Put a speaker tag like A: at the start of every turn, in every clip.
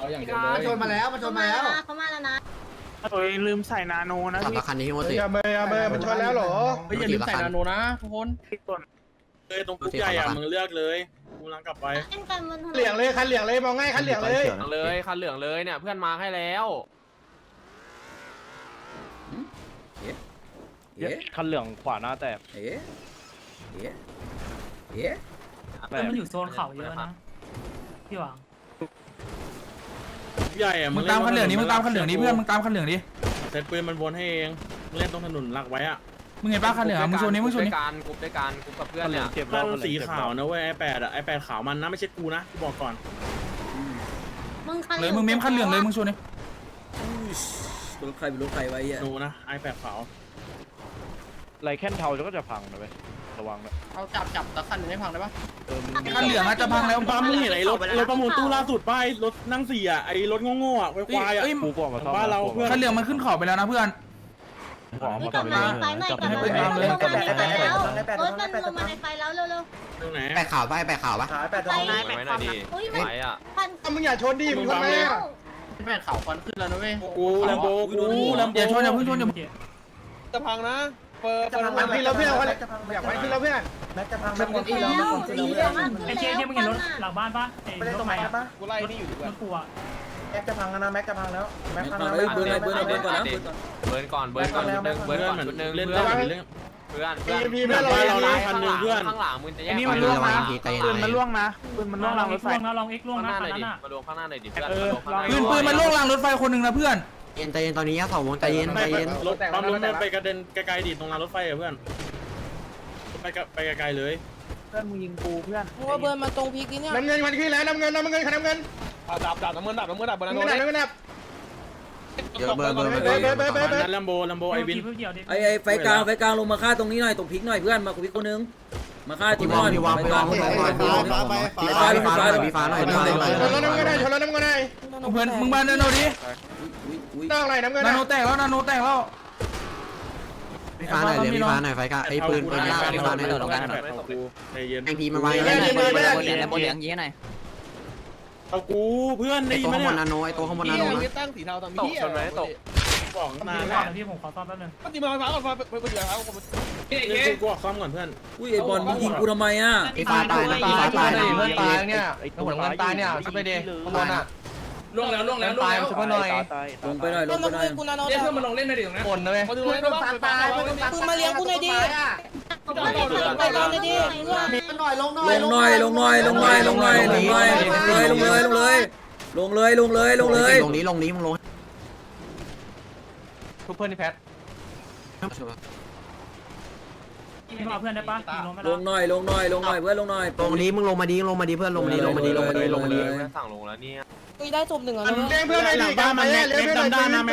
A: เอาอย่างเดียวเลย
B: มันชนมาแล้ว
C: เขามาแล้วนะ
D: โอ้ยลืมใส่นาโนนะ
E: ขับ
D: พี่
E: คันนี้ที่โมติ
A: อย่าเมย์มันชนแล้วเหรอ
E: อย่าลืมใส่นาโนนะ
D: ทุกคนที่ต้น
F: เลยตรงปุ๊บใหญ่อะมึงเลือกเลยกูลังกลับไป
C: เล่นกันบนถนน
A: เหลืองเลยคันเหลืองเลยมองง่ายคันเหลืองเลย
G: เลยคันเหลืองเลยเนี่ยเพื่อนมาให้แล้ว
D: คันเหลืองขวาหน้าแตก
H: แต่มันอยู่โซนเขาเยอะนะพี่หวัง
F: ปุ๊บใหญ่อะ
I: มึงตามคันเหลืองนี้มึงตามคันเหลืองนี้เพื่อนมึงตามคันเหลืองดิ
F: เซตปืนมันวนให้เองเล่นตรงถนนหลักไว้อะ
I: มึงเห็นป้าคันเหลืองมึงชนนี้มึงชนนี้
G: กรุ๊ปด้วยกันกรุ๊ปกับเพื่อนเนี่ย
D: เจ็บ
F: ถ้ามันสีขาวนะเว้ยไอ8อะไอ8ขาวมันนะไม่ใช่กูนะกูบอกก่อน
C: มึงคัน
I: เลยมึงเมมคันเหลืองเลยมึงชนนี่
B: รถใครเป็นรถใครไว้อ่ะ
F: ดูนะไอ8ขาว
D: ไรแค่นเทาก็จะพังนะเว้ยระวังนะ
G: เอาจับตะคันหนึ่งให้พังได้ปะ
I: คันเหลืองจะพังแล้ว
F: ป้ามึงเห็นไอ้รถประมูลตู้ล่าสุดป้ายรถนั่ง4อะไอรถโง่ๆอะควายๆอะ
D: กูบอกมาซ่อม
F: บ้านเราเพื่อน
I: คันเหลืองมันขึ้นเขาไปแล้วนะเพื่อน
C: นี่กลับมาในไฟหน่อยกลับมาในไฟแล้วรถมันลงมาในไฟแล้วเร็ว
F: ตรงไหน
E: แปะขาวปะแปะขาวปะ
C: ๆไฟ
G: ไว้หน่อยดิ
C: อุ้ย
G: ไว้อะ
C: พัน
A: มึงอย่าชนดิมึงทำไมอ่ะ
G: แม่เขาควันขึ้นแล้วนะเว้ย
F: กูแลมโบกูแลมโบ
I: อย่าชนอย่าเพิ่งชนอย่า
A: จะพังนะเปิดขึ้นแล้วเพื่อนอยากไปขึ้นแล้วเพื่อน
B: แม็กจะพัง
C: แล้วสีเหลืองมากขึ้น
H: ไอ้เจ๊
C: แล้ว
H: ที่มึงเห็นรถหลังบ้านปะไอ้รถไฟอะ
A: กูไล่นี่อยู่ดีก
H: ร
A: ว่า
H: ถกูอะ
B: แม็กจะพังนะแม็กจะพังแล้วแม็กพังแล้วเบิร์นก่อนนะเบิร์นก่อน
G: เบิร์นก่อนชุดหนึ่งเบิร์นก่อนชุดหนึ่ง
F: เล่น
G: เพื่
F: ได้
G: อน
F: เล่น
G: เพื่อน
A: มีเพื่อนเรา
F: เรานะคันหนึ่งเพื่อน
G: ข้างหลังมึงจะแยก
I: นี่มันล่วงนะปืนมันล่วงนะปืนมันล่วงรางรถไฟ
H: ลองเอ็กล่วง
G: ข้างห
H: นะ
G: น้าหน่อย
H: คันนั้
G: ดิ
H: นอะ
G: มารวมข้างหน้าหน่อยดิเพื่อน
I: ปืนมันล่วงรางรถไฟคนหนึ่งนะเพื่อน
E: ใจเย็นตอนนี้สองวงใจเย็นใจเย็น
F: รถปั๊มรถมันไปกระเด็นไกลๆดิตรงรางรถไฟอะเพื่อนไปไกลๆเลย
D: เพื่อนมึงยิงกูเพื่อน
J: เพราะว่าเบิร์นมาตรงพีกนี่เนี่ย
A: น้ำเงินมันขึ้นแล้วน้ำเงินคันน้ำเงิน
D: ดับน้ำเงินดับน้ำเงินดับบนนั้น
A: น้ำเงินน้ำเงิน
E: เยอะเบอร์
F: นั้นแลมโบไอวิน
B: ไอ้ไฟกลางลงมาฆ่าตรงนี้หน่อยตรงพีกหน่อยเพื่อนมาคุยคนนึงมาฆ่าทีม
E: พี่วางพี่วางพี่วางพี่วางพี่ฟ้าพี่ฟ้าหน่อยพี่ฟ้าหน่อยพี่ฟ้าหน่อย
A: ชนแล้วน้ำเงินได้ชนแล้วน้ำเงินได้
I: เพื่อนมึงมานาโนดิ
A: ตั้งอะไรน้ำเงิน
I: นาโนแตกแล้วนาโนแตกแล้ว
E: พี่ฟ้าหน่อยเรียกพี่ฟ้าหน่อยไฟกะไอ้ปืนปืนยากพี่ฟ้าหน่อย
F: ใจเย็น
E: ไอพีมันวาง
J: บนเหลืองยี่หน่อย
F: เอากูเพื่อน
E: ไอ
F: ได้ยิ
E: ตั
F: น
E: ว
F: ไหม
E: ข้างบ
F: เนี่ย
E: นนาโนไอตัวข้างบนนาโนนะ
A: ตั้งสีเทาทำ
G: ตกชนไหมตก
F: บอก
H: ผม
F: นาน
H: ก่
F: แล้
H: อ
F: วน
H: นะพี่ผมขอซ่อมแป๊บนึง
A: ตีมาฟ้าก่อนไปเดี๋ยวครับ
F: เล่นกูซ่อมก่อนเพื่อน
B: อุ้ยไอ้บอลมึงยิงกูทำไมอ่ะ
E: พี่ฟ้าตายนะพี่ฟ้าตายนะ
D: เพื่อนตายเนี่ยหัวเงินตายเนี่ยช่วยไปดิข้างบนอ่ะล่วงแล้วช่วยหน่อย
B: ลงไปหน่อย
J: ต้นน้ำเงินกูนาโน
D: เรียกเพื่อนมาลงเล่นในดิตรงนั้นคนนะเว้ย
J: ปืนมาเลี้ยงกูหน่อยดิไปตอนเลยดิ
B: ลง
E: นี้มึงลง
D: ทุกเพื่อนที่แพท
H: พี่เอาเพื่อนได้ปะลงไม่
B: ล
H: ได้
B: งหน่อยเพื่อนลงหน่อย
E: ลงนี้มึงลงมาดีเพื่อนลงมาดี
G: เพื่อนสั่งลงแล้วเนี่ย
J: คุยได้จบหนึ่งอ่ะ
A: เลี้ยงเพื่อนเลยดิกาไปเลี้ยงเพื่อน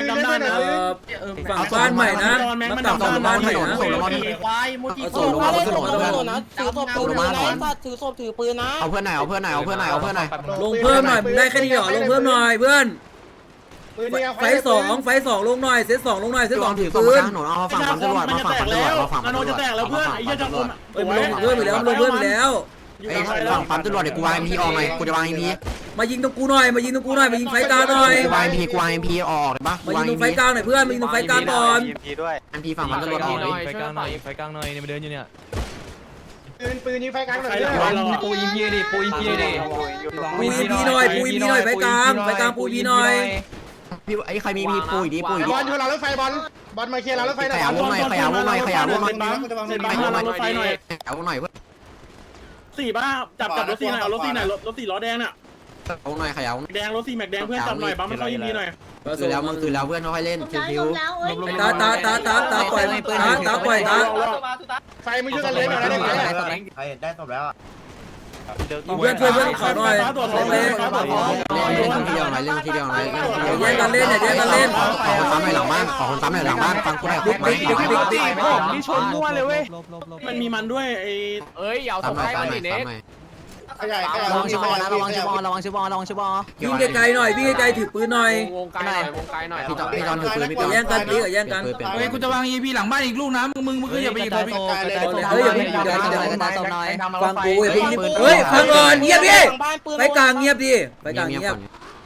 B: ฝั่งบ้านใหม่นะมาต่างบ้านใหม่นะ
G: ควายโมจิ
B: ส่งลงมา
J: ถือศพถือปืนนะถือศพถือปืนนะถือศพถือปืนนะ
E: เอาเพื่อนหน่อยลงเพิ่มหน่อย
B: ได้แค่นี้เหรอลงเพิ่มหน่อยเพื่อนไฟสองลงหน่อยเซต2ลงหน่อยเซต2ถือปืน
E: หนูเอาฝั่งตำรวจมาฝั่งตำรวจมาฝั่ง
F: นาโนจะแตกแล้วเพื่อนไอ้ยักษ์จะคม
B: เพิ่มไปแล้ว
E: ไอ้ฝั่งปั๊มตำรวจเดี๋ยวกูวางพีออกหน่อยกูจะวางพี
B: มายิงตรงกูหน่อยมายิงไฟกลางหน่อย
E: กูวางพีออกได้ปะ
B: มายิงตรงไฟกลางหน่อยเพื่อนมายิงตรงไฟกลางก่อน
E: พีฝั่งปั๊มตำรวจออกเลย
G: ไฟกลางหน่อย
D: ไฟกลางหน่อยเนี่ยมาเดินอยู่เนี่ย
A: ปืนยิงไฟกลางหน่อย
D: ปูอินพีดิปูอินพีดิ
B: ปูอีพีหน่อยไฟกลางปูอีหน่อย
E: พี่ไอ้ใครมีพีปุ๋ยดี
A: บอลชนเรารถไฟบอลมาเคลียร์เรารถไฟหน่อย
E: ขยาวงหน่อย
F: เสร็จปั๊มรถไฟหน่อย
E: ขยาวงหน่อยเพื่อ
F: สี่บ้าจับรถสี่หน่อยเอารถสี่หน่อยรถสี่ล้อแดงน่ะ
E: วงหน่อยขยาว
F: แดงรถสี่แม็กแดงเพื่อนจับหน่อยปั๊มมันเข้ายิงดีหน่อย
E: คือแล้วมึงคือแล้วเพื่อนค่อยเล่น
C: ลง
E: คิว
C: แล้วเอ้ย
B: ตาปล่อยตา
A: ไฟมึงช่วยกันเล่นหน่อยได้ไหม
B: ได้ตบแล้วเพื่อนช่วยเพื่อนขอหน่อย
E: เล่นทีเดียวหน่อยเล่นทีเดียวหน่อย
B: แย่งกันเล่นอย่าแย่งกันเล่น
E: ขอคนซ้ำหน่อยหลังบ้านขอคนซ้ำหน่อยหลังบ้านฟังกูหน่อยคุกไหม
D: นี่ชนมั่วเลยเว้ย
F: มันมีมันด้วยไอ้
G: เอ้ยอย่าส่งให้มาดิเน็ก
E: ระวังชิบอลนะระวังชิบอลระวังชิบอลระวังชิบอล
B: วิ่งไกลๆหน่อยวิ่งไกลๆถือปืนหน่อยว
G: งไกลหน่อย
E: พี่จอนถือปืนพี่จอน
B: แย่งกันแย่งกัน
I: เฮ้ยกูจะวาง EP หลังบ้านอีกลูกนะมึงคืออย่าไปหยิบเลยพี่
B: เฮ้ยอย่าเดี๋ยวฟังกูอย่าเพิ่งเฮ้ยฟังก่อนเงียบดิไปกลางเงียบดิไปกลางเงียบ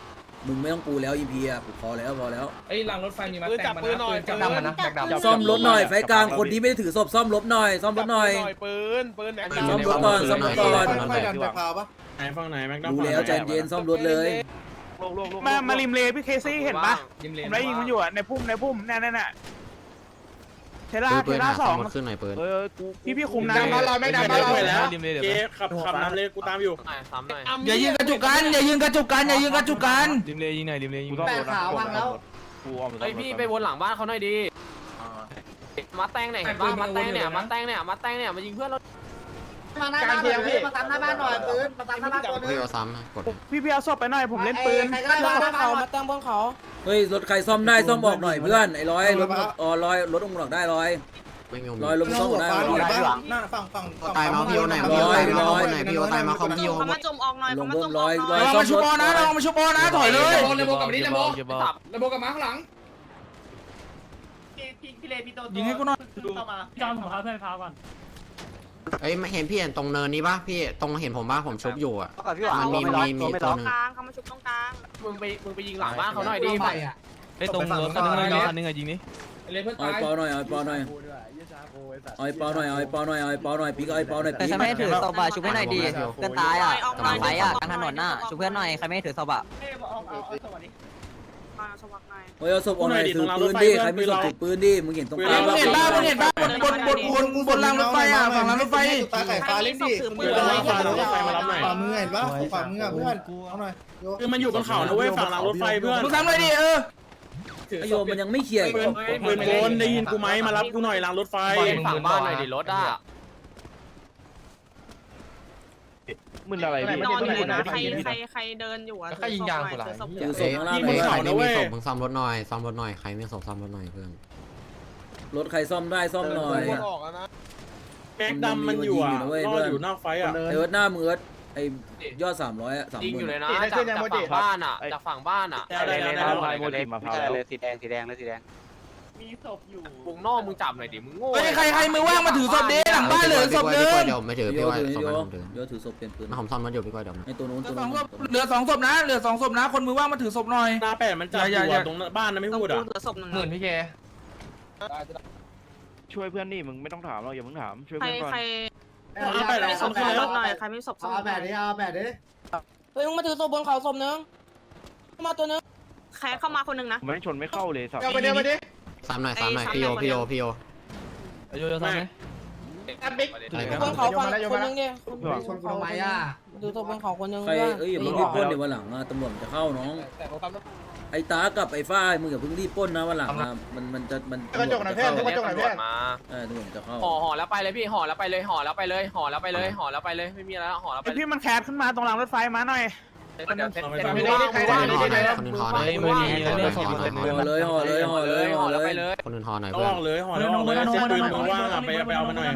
B: มึงไม่ต้องปูแล้ว EP อ่ะพอแล้ว
D: ไอ้รางรถไฟมีมา
A: ปืนจับปืนหน่อย
D: จับดำมันนะจับ
B: ซ่อมรถหน่อยไฟกลางคนที่ไม่ได้ถือศพซ่อมรถหน่อยซ่อมรถหน่อย
A: ปืนแม็ก
B: ซ่อมรถก่อนซ่อมรถก่อน
F: ไหนฝั่งไหนแม็กดัม
B: ดูแล้วใจเย็นซ่อมรถเลย
I: มาริมเลพี่เคซี่เห็นปะ
D: ผม
I: ได้ยิงมันอยู่อ่ะในพุ่มน่ะเท
E: ปืน
I: ล่า
E: หา
I: ส
E: ซ่
I: อ
E: อง มรถขึ้นหน่อยปืน
I: พี่คุมนะ
A: มาเราไม่ดันมาเรา
F: แล้วเจ๊ขับนำเลยกูตามอยู่
G: ซ้ำหน่อย
I: อย่ายิงกระจุกกัน
D: ริมเลยิงหน่อยริมเลยิง
J: แต่ขาวพังแล้ว
G: เฮ้ยพี่ไปวนหลังบ้านเขาหน่อยดิมาแตงไหนเห็นป่ะมาแตงเนี่ยมายิงเพื่อนเรา
J: มาหน้าบ้านพี่มาตามหน้าบ้านหน่อยปืนมาตามหน้าบ้านตัวนึง
E: พี่เอาซ้ำนะกด
I: พี่เอาศพไปหน่อยผมเล่นปืน
J: ใครก็ได้มาเขามาตั้งบนเขา
B: เฮ้ยรถใครซ่อมได้ซ่อมบอกหน่อยเพื่อนไอ้ร้อยรถร้อยรถองค์หลักได้ร้อย
E: ไม่มี
B: ร้อยรถซ่อมได้
E: ตายมาพี่โอไหนพี่โอตายมาไหนพี่โอตายมาคอมพี่โอ
C: เขามาจมออกหน่อย
B: ล
C: เขา
B: ง
C: มา
B: เพิ่
C: จ
B: ม
C: ม
B: ร้อย
I: เรามาชุบอนะถอยเลย
D: เลโบกับนี้เลโบกับม้าข้างหลัง
J: พี่เลพี่โต
I: ยิงให้กูหน่อย
J: เข้ามา
H: จอมของเขาเพื่อนพาก่อน
E: เอ้ยเห็นพี่เห็นตรงเนินนี้ปะพี่ตรงเห็นผมปะผมชุบอยู่อ่ะ
C: มัน
E: มีตัวหนึง
C: ตรงกลางเขามาชุบตรงกลาง
G: มึงไปยิงหลังบ้านเขาหน่อยดิ
D: ไอ้ตรงรถคันนึงยิงนี้เลยเพื่อน
B: เอา
D: ตาย
B: ปอหน่อยเอาปอหน่อยเอาปอหน่อยเอาปอหน่อยเอาปอหน่อยปีกเอาปอหน่อย
K: แต่ฉันไม่ถือศพอะชุบให้หน่อยดีเพื่อนตายอ่ะกำลังไฟอ่ะกลางถนนน่ะชุบเพื่อนหน่อยใครไม่ถือศพอ่ะ
C: มาสวัสดี
B: เฮ้ยเอาศพออกหน่อยถือปืนดิใครไม่ศพถือปืนดิมึงเห็นตรงกลาง
I: มึงเห็นปะบนรางรถไฟอ่ะฝั่งรางรถไฟ
C: ตาไข่ฟ้าเล่นดิถือปืน
F: รถไฟมารับหน่อย
A: มือเห็นปะฝ่ามือเพื่อนเอาหน่อย
F: คือมันอยู่บนเขานะเว้ยฝั่งรางรถไฟเพื่อน
I: มึงทำเลยดิ
B: ไอโยมันยังไม่เคลียร์
F: ปืนโกนได้ยินกูไหมมารับกูหน่อยรางรถไฟ
G: ฝั่งบ้านหน่อยดิรถอ่ะ
D: มึนอะไร
C: นอนอยู่นะใครเดินอยู่อะ
B: ถือศพข้างล่าง
E: ใครไม่มีศพมึงซ่อมรถหน่อยใครไม่ศพซ่อมรถหน่อยเพื่อน
B: รถใครซ่อมได้ซ่อมหน่อย
F: แม็กดำมันอยู่อ่ะรออยู่นอกไฟอ่ะ
B: ไอเอิร์ธหน้ามือไอยอด300อ่ะ
G: ยิงอยู่เลย
B: 30,000
G: นะจากฝั่งบ้านอ่ะจากฝั่งบ้านอ่ะ
D: โมจิมาพาว
K: สีแดงเลยสีแดง
J: มีศพอยู่
G: วงนอกมึงจับหน่อยดิมึงโง่
I: เฮ้ยใครมือว่างมาถือศพดิหลังบ้านเหลือศพนึง
E: เดี๋ยวไม่ถือพี่ว่าศพมันผมถือ
B: โยถือศพเป็นปืน
E: ผมซ่อมรถอยู่พี่ก้อยเดี๋ยว
B: ไอตัวนู้นตัว
I: เหลือสองศพนะคนมือว่างมาถือศพหน่อย
F: หน้าแปดมันจับอยู่ตรงบ้านนะไม่
C: ต้อง
F: พูดอ่ะ
C: เหลือศพหนึ่ง
D: หมื่นพี่เคช่วยเพื่อนนี่มึงไม่ต้องถามเราอย่าเพิ่งถามช่วย
C: ใคร
D: เพื่อนก่อน
C: ใคร
F: แปด
C: มีศพซ่อมรถหน่อยใครมีศพซ่อมรถหน่อย
J: เฮ้ยมึงมาถือศพบนเขาศพนึงมาตัวนึง
C: แค่เข้ามาคนหนึ่งนะ
D: ไม่ชนไม่เข้าเลยสับ
A: เอาไปเดี๋ยวมาดิ
E: ซ้ำหน่อยพี่โอ
D: โยโย่ซ้ำไหม
J: บนเขาคนนึงเนี่ยดูศพบนเขาคนนึง
B: ใครเอ้ยอย่าเพิ่งรีบปล้นเดี๋ยววันหลังตำรวจจะเข้าน้องไอ้ตากับไอ้ฝ้ายมึงอย่าเพิ่งรีบปล้นนะวันหลังมันจะ
A: กระจกหน่อยเพื่อนกระจกหน่อยเพื่อน
G: มา
B: ตำรวจจะเข้า
G: ห่อแล้วไปเลยพี่ห่อแล้วไปเลยไม่มีอะไรแล้วห่อแล้วไป
I: พี่มันแคสขึ้นมาตรงรางรถไฟมาหน่อย
E: คนนึงทอหน่อย
B: ห่อเลยห่อเลยห่อเลยห่อเลย
G: ไปเลย
E: คนนึงทอหน่อย
F: ต้
E: เพื่
F: อ
E: อน
F: งเลยห่อแล้วออกเลยเช็ดปืนมึงว่างอ่ะไปเอามาหน่อย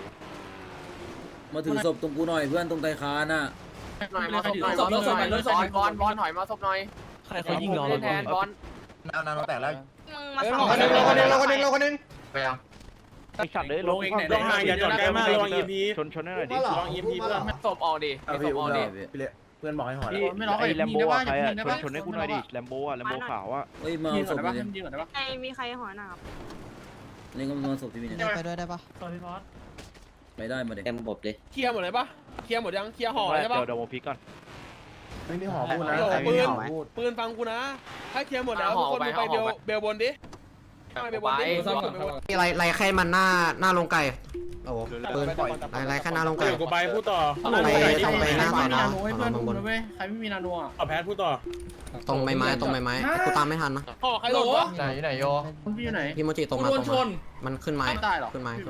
B: มาถือศพตรงกูหน่อยเพื่อนตรงไตคาน่ะ
G: หน่อยมาศพหน่อยบอลถอยมาศพหน่อย
D: ใครเขายิงเรา
G: แทนบอล
C: มึงมา
A: เฮ้ย
C: สอง
A: คนนึง
D: ไอสัตว์เลยลงเอง
F: ลงห่างอย่าจอดใกล้มากระวัง EMP
D: ชนให้หน่อยดิ
F: ระวัง EMP เพื่อน
G: ศพออกดิศพออกดิ
A: เพื่อนบอกให้ห่อ
D: พี่ไอแลมโบอะใครอะชนให้กูหน่อยดิแลมโบอะแลมโบขาวอะ
B: เฮ้ยมาเอาศพเลย
C: ใครมีใครหอหนาบ
B: นี่ก็มาศพที่มีเนี่ย
K: ไปด้วยได้ปะ
H: สวัสดีพอส
B: ไปได้มาเด็ก
K: เต็มบบดิ
A: เคลียร์หมดเลยปะเคลียร์หมดยังเคลียร์ห่อใช่ปะ
D: เดี๋ยวโมพิกก่อน
A: ไม่มีห่อพูดนะปืนฟังกูนะถ้าเคลียร์หมดแล้วทุกคนไปเบลบนดิไปเบลบนดิ
E: มีไรแค่มันหน้าลงไก่โอ้ปืนไรแค่หน้าลงไก่
F: เดี๋ยวกูไปพูดต่อ
E: ต้องไปหน้าต่อนะบน
J: ใครไม่มีนาโนอ่ะ
F: เอาแพทพูดต่อ
E: ตรงใบไม้กูตามไม่ทันนะ
A: ห่อใครหล่นวะ
D: ไหนโย
J: พี่อยู่ไหน
E: พี่โมจิตรงมามันขึ้นไม้ขึ้นไม้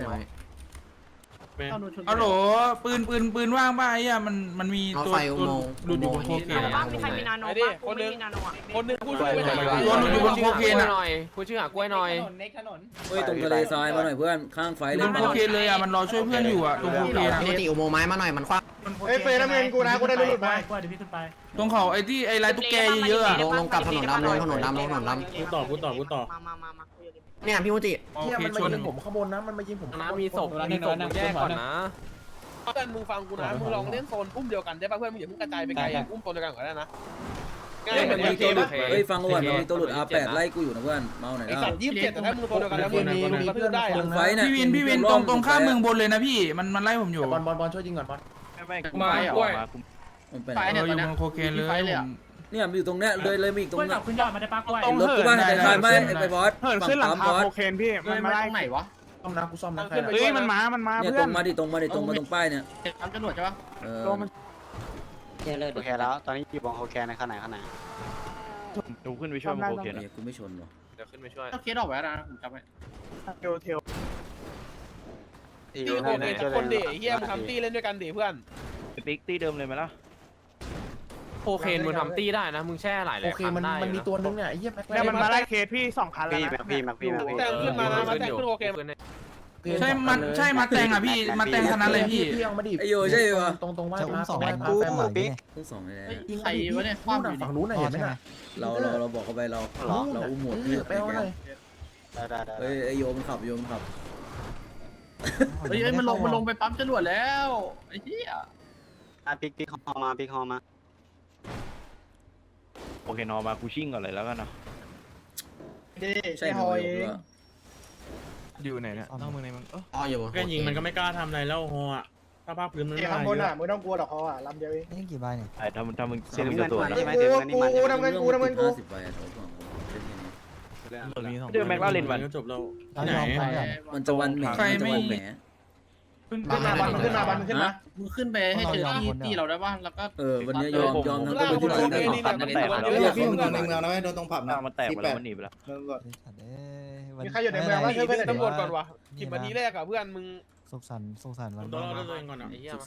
I: ฮัลโหลปืนว่างป่ะไอ้อะมันมีตัวหลุดอยู่บนโคเคน
C: บ้างมีใครมีนาโนบ้างคนมีนาโนอ่ะ
A: คนนึงพูดช่วยไปหน่อย
I: ตัวหลุดอยู่บนโคเคนอะ
G: หน่อยพูดชื่อหากล้วยหน่อย
B: เฮ้ยตรงทะเลทรายมาหน่อยเพื่อนข้างไฟ
I: บ
B: เล่น
I: นโคเคนเลยอะมันรอช่วยเพื่อนอยู่อะตรงโคเคนอะ
E: พี่โมจิอุโมงค์ไม้มาหน่อยมันคว้า
A: เฮ้ยเฟย์น้ำเงินกูนะกูได้หลุดมา
H: กล้วยเดี๋ยวพี่ขึ้นไป
I: ตรงเขาไอ้ที่ไอ้ลายตุ๊กแกเยอะๆอะ
E: ลงกับถนนดำลงถนนดำ
F: พูดต่อ
C: มา
E: เนี่ยพี่โมจิ
I: โอเคชน
A: ผมข้างบนนะมันมายิงผม
G: น้ำมีศพแยกก่อนนะ
A: เพื่อนมึงฟังกูนะมึงลองเล่นโซนอุ้มเดียวกันได้ป่ะเพื่อนมึงอย่าเพิ่งกระจายไปไกลอุ้มโซนเดียวกันก็ได้นะง่ายเหมือน
B: มี
A: เก
B: ตัว
A: ม
B: หลุดเฮ้ยฟังก่อนมันมีตัวหลุด R8 ไล่กูอยู่นะเพื่อนเมาไหน
A: ไอ้
B: ล่ะ
A: สัตว์27แต่ถ้ามึงตัวเดียวกันแล้วมึงกระทืบได้
B: ตรงไฟเนี่ย
I: พี่วินตรงข้ามเมืองบนเลยนะพี่มันไล่ผมอยู่
J: บอลช่วยยิงก่อนบอล
I: มาด้วย
B: มันไป
J: ไฟ
B: ไหน
J: เนี่ย
I: อยู่เมืองโคเคนเลย
B: เนี่ยมันอยู่ตรงเนี้ยเลยมีอีกตรง
H: กล้วย
B: เนี้
H: กั
B: ย
H: บคุณยอดมาได้ปะกล้วย
B: รถกูบ้านแต่คานไม่ไปบอส
I: เหินขึ้นหลังคาโคเคนพี่มันมาไล่
J: ไหนวะซ่อมนะกูซ่อมนะ
I: เฮ้ยมันมา
B: เนี่ย
I: เพื่
B: ตร
I: อน
B: งมาดิตรงป้ายเนี่ย
J: ทำจรวดใช่ปะ
B: เออ
K: โอเคแล้วตอนนี้อยู่บองโคแคนในข้างไหน
F: ดูขึ้นไปช่วยมันโอเคนะ
B: กูไม่ชนหรอ
G: เดี๋ยวขึ้นไปช่วย
J: ต้องเคสออกไว้นะผมจำไว้
I: เทล
A: ตีโอเคทุกคนดิเฮียมึงทำตีเล่นด้วยกันดิเพื่อน
F: ปิ๊กตีเดิมเลยไหมล่ะ
G: โอเคนมึงทำตี้ได้นะมึงแช่หลาย
J: โอเคมันมีตัวนึงเนี่ยไอ้เหี้ย
I: แล้วมันมาไล่เคสพี่2 คันแล้วนะ
A: แต่งขึ้นมานะมาแต่งขึ้นโอเค
I: ใช่มาแตงอ่ะพี่มาแตงขนาดเลยพี่
B: ไอโยใช่ปะ
J: ตรงว่าสอง
B: ต้องสองเลย
J: ยิงใครวะเนี่ยคว้ามฝั่งนู้นน่ะเห็นไหมน่ะ
B: เราบอกเขาไปเราอุ้มหมดที่
J: ไปเอาหน่อย
B: เฮ้ยไอโยมันขับ
J: เฮ้ยมันลงไปปั๊มจรวดแล้วไอ้เหี้ย
K: ปิ๊กฮอมา
F: โอเคนอมากูชิ่งก่อนเลยแล้วกันนะ
B: ใช่หอย
I: อยู่ไหนเนี่ยนอกเมืองในเมือง
E: อ๋ออยู่
F: แค่ยิงมันก็ไม่กล้าทำอะไรแล้วฮออ่ะถ้าภาพพื้นมันไม่
J: ข้างบน
F: เย
J: อ่ะ
F: อะ
J: มึงต้องกลัวหรอกเขาอ่ะลำเดียวเอง
K: นี่กี่ใบเนี่ย
F: ไอ้ถ้ามึงเส้นกับตัวนะ
J: กูทำเงินกู
B: 50ใบโถฝั่งผม
F: เดือนแม็กลาเรนวันก็จบแล้วไหน
B: มันจะวันแหม
H: ขึ้น
J: ขึ้นมาบันขึ้นมามึงขึ้นไปให้เจอที่เราได้ป่ะแล้วก็
B: วันนี้ยอมทั้งตัว
A: ล่าง
B: ที่
A: คน
B: ไหน
A: โอเค
B: ได้
A: นี่เนี่ยมันอยู่ในเมือง
E: ในเมืองนะไม่โดนตรงผับ
F: หน้ามันแตกไปแล้วมันหนีไปแล้ว
J: มีใครอยู่ในเมืองบ้างช่วยเพื่อน
A: ตำรวจก่อนวะ10 นาทีแรกอะเพื่อนมึง
K: สุขสันต์
F: ต้องรอด้วยตัวเองก่อนอ่ะ
G: ไอ้เหี้ย